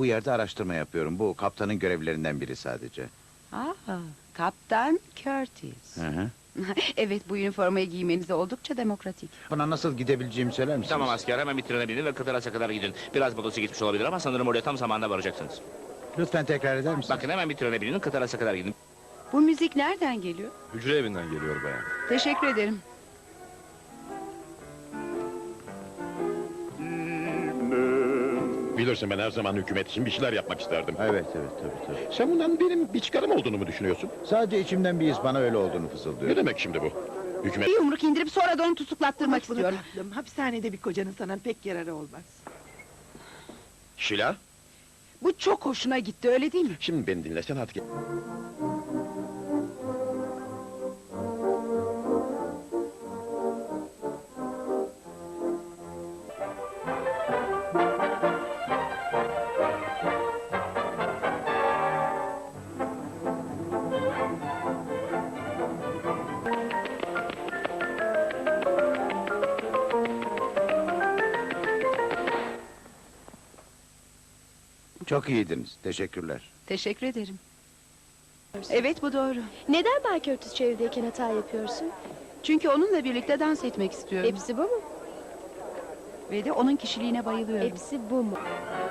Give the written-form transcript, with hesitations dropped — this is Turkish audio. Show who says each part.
Speaker 1: Bu yerde araştırma yapıyorum. Bu kaptanın görevlerinden biri sadece.
Speaker 2: Aa, Kaptan Curtis.
Speaker 1: Hı hı.
Speaker 2: Evet, bu üniformayı giymeniz oldukça demokratik.
Speaker 1: Buna nasıl gidebileceğimi söyler misiniz?
Speaker 3: Tamam asker, hemen bir trene binin ve Kıbrıs'a kadar gidin. Biraz motosu gitmiş olabilir ama sanırım oraya tam zamanında varacaksınız.
Speaker 1: Lütfen tekrar eder misiniz?
Speaker 3: Bakın hemen bir trene binin, Kıbrıs'a kadar gidin.
Speaker 2: Bu müzik nereden geliyor?
Speaker 4: Hücre evinden geliyor bayan.
Speaker 2: Teşekkür ederim.
Speaker 4: Bilirsin ben her zaman hükümet için bir şeyler yapmak isterdim.
Speaker 1: Evet, tabii.
Speaker 4: Sen bundan benim bir çıkarım olduğunu mu düşünüyorsun?
Speaker 1: Sadece içimden bir his bana öyle olduğunu
Speaker 4: Ne
Speaker 1: fısıldıyor.
Speaker 4: demek şimdi bu? Hükümet...
Speaker 2: Bir yumruk indirip sonra da onu tutuklattırmak
Speaker 5: Bunu
Speaker 2: istiyorum.
Speaker 5: tatlım, hapishanede bir kocanın sana pek yararı olmaz.
Speaker 4: Şila,
Speaker 2: Bu çok hoşuna gitti, öyle değil mi?
Speaker 4: şimdi beni dinlesen hadi gel.
Speaker 1: Çok iyiydiniz. Teşekkürler.
Speaker 2: Teşekkür ederim. Evet, bu doğru.
Speaker 6: Neden Bay Curtis çevredeyken hata yapıyorsun?
Speaker 2: Çünkü onunla birlikte dans etmek istiyorum.
Speaker 6: Hepsi bu mu?
Speaker 2: Ve de onun kişiliğine bayılıyorum.
Speaker 6: Hepsi bu mu?